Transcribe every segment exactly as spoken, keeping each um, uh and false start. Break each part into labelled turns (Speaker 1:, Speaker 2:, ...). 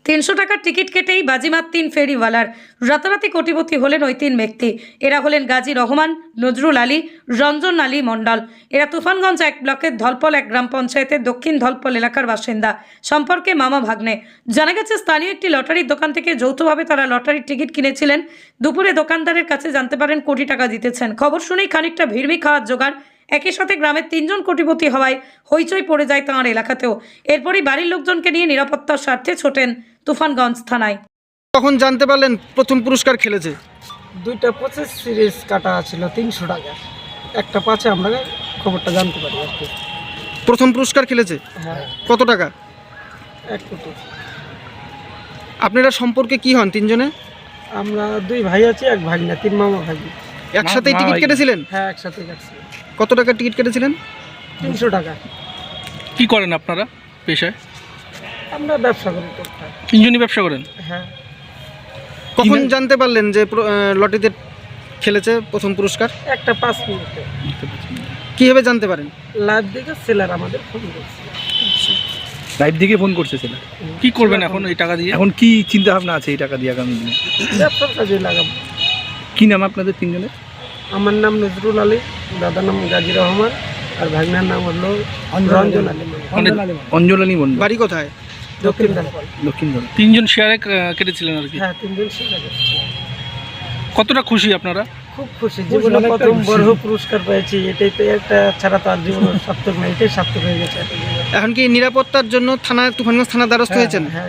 Speaker 1: তিনশো টাকার টিকিট কেটেই বাজিমাত তিন ফেরিওয়ালার। রাতারাতি কোটিপতি হলেন ওই তিন ব্যক্তি। এরা হলেন গাজী রহমান, নজরুল আলী, রঞ্জন আলী মণ্ডল। এরা তুফানগঞ্জ এক ব্লকের ধলপল এক গ্রাম পঞ্চায়েতের দক্ষিণ ধলপল এলাকার বাসিন্দা, সম্পর্কে মামা ভাগ্নে। জানা গেছে স্থানীয় একটি লটারির দোকান থেকে যৌথভাবে তারা লটারির টিকিট কিনেছিলেন। দুপুরে দোকানদারের কাছে জানতে পারেন কোটি টাকা জিতেছেন। খবর শুনেই খানিকটা ভিড়মি খাওয়ার জোগাড়। একই সাথে গ্রামের তিনজন কোটিপতি হওয়ায় হইচই পড়ে যায় তাঁর এলাকাতেও। এরপরই বাড়ির লোকজনকে নিয়ে নিরাপত্তার স্বার্থে ছোটেন তুফানগঞ্জ থানায়।
Speaker 2: কখন জানতে পারলেন প্রথম পুরস্কার খেলেছে?
Speaker 3: দুইটা পঁচিশ সিরিজ কাটা ছিল তিনশো টাকা, একটা পাঁচে আমরা খবরটা জানতে পারি আর কি।
Speaker 2: প্রথম পুরস্কার খেলেছে?
Speaker 3: হ্যাঁ,
Speaker 2: কত টাকা?
Speaker 3: এক কোটি।
Speaker 2: আপনারা সম্পর্কে কি হন তিনজনে?
Speaker 3: আমরা দুই ভাই আছি, এক ভাগনা, তিন মামা ভাগি।
Speaker 2: একসাথেই টিকিট কেটেছিলেন?
Speaker 3: হ্যাঁ, একসাথে কাটছি।
Speaker 2: কত টাকার টিকিট কেটেছিলেন?
Speaker 3: তিনশো টাকা।
Speaker 4: কি করেন আপনারা পেশায়?
Speaker 3: আমরা ব্যবসা করি টুকটাক।
Speaker 4: তিনজনই ব্যবসা করেন?
Speaker 3: হ্যাঁ।
Speaker 2: কখন জানতে পারলেন যে প্র- আহ, লটারিতে খেলেছে প্রথম পুরস্কার?
Speaker 3: একটা পাঁচ মিনিটে
Speaker 2: কিভাবে জানতে পারেন?
Speaker 3: লাইভ দিকে সেলার আমাদের ফোন করছে।
Speaker 5: লাইভ দিকে ফোন করছে ছেলে।
Speaker 4: কি করবেন এখন এই টাকা দিয়ে?
Speaker 5: এখন কি চিন্তা ভাবনা আছে এই টাকা দিয়ে আগামী দিনে?
Speaker 3: ব্যবসার কাজে লাগাবো।
Speaker 5: কি নাম আপনাদের তিনজনের?
Speaker 3: আমার নাম নজরুল আলী, দাদার নাম গাজী রহমান, আর ভাগনার নাম হলো রঞ্জন আলী।
Speaker 4: মানে
Speaker 5: অঞ্জলানী মন্ডল।
Speaker 2: বাড়ি কোথায়?
Speaker 3: দক্ষিণ ধলপল।
Speaker 5: দক্ষিণ ধরে।
Speaker 4: তিনজন শেয়ারে আহ, কেটেছিলেন আর কি।
Speaker 3: হ্যাঁ, তিনজন সেলা করছে।
Speaker 4: কতটা খুশি আপনারা?
Speaker 3: খুব খুশি, জীবনে প্রথম বড় পুরস্কার পেয়েছি। এটাই তো একটা ছাড়া তো আর জীবন সার্থক না, এটাই সার্থক হয়ে গেছে।
Speaker 2: এখন কি নিরাপত্তার জন্য থানা তুফানগঞ্জ থানা দ্বারস্থ হয়েছেন?
Speaker 3: হ্যাঁ।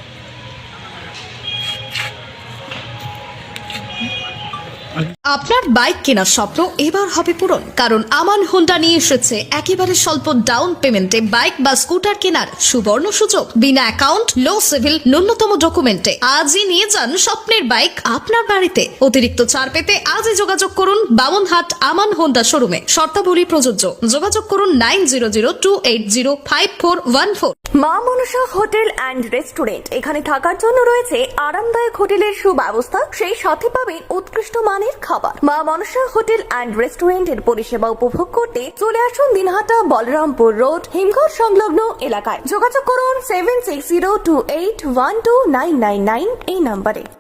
Speaker 6: আপনার বাইক কেনার স্বপ্ন এবার হবে পূরণ, কারণ আমান হোন্ডা নিয়ে এসেছে একেবারে স্বল্প ডাউন পেমেন্টে বাইক বা স্কুটার কেনার সুবর্ণ সুযোগ। বিনা অ্যাকাউন্ট, লো সিভিল, ন্যূনতম ডকুমেন্টে আজই নিয়ে যান স্বপ্নের বাইক আপনার বাড়িতে। অতিরিক্ত ছাড় পেতে আজই যোগাযোগ করুন বামনহাট আমান হোন্ডা শোরুমে। শর্তাবলী প্রযোজ্য। যোগাযোগ করুন nine zero zero two eight zero five four one four.
Speaker 7: মা মনসা হোটেল অ্যান্ড রেস্টুরেন্ট, এখানে থাকার জন্য রয়েছে আরামদায়ক হোটেলের সুব্যবস্থা, সেই সাথে পাবেন উৎকৃষ্ট মানের খাবার। মা মনসা হোটেল অ্যান্ড রেস্টুরেন্টের পরিষেবা উপভোগ করতে চলে আসুন দিনহাটা বলরামপুর রোড, হিমঘর সংলগ্ন এলাকায়। যোগাযোগ করুন seven six zero two eight one two nine nine nine এই নম্বরে।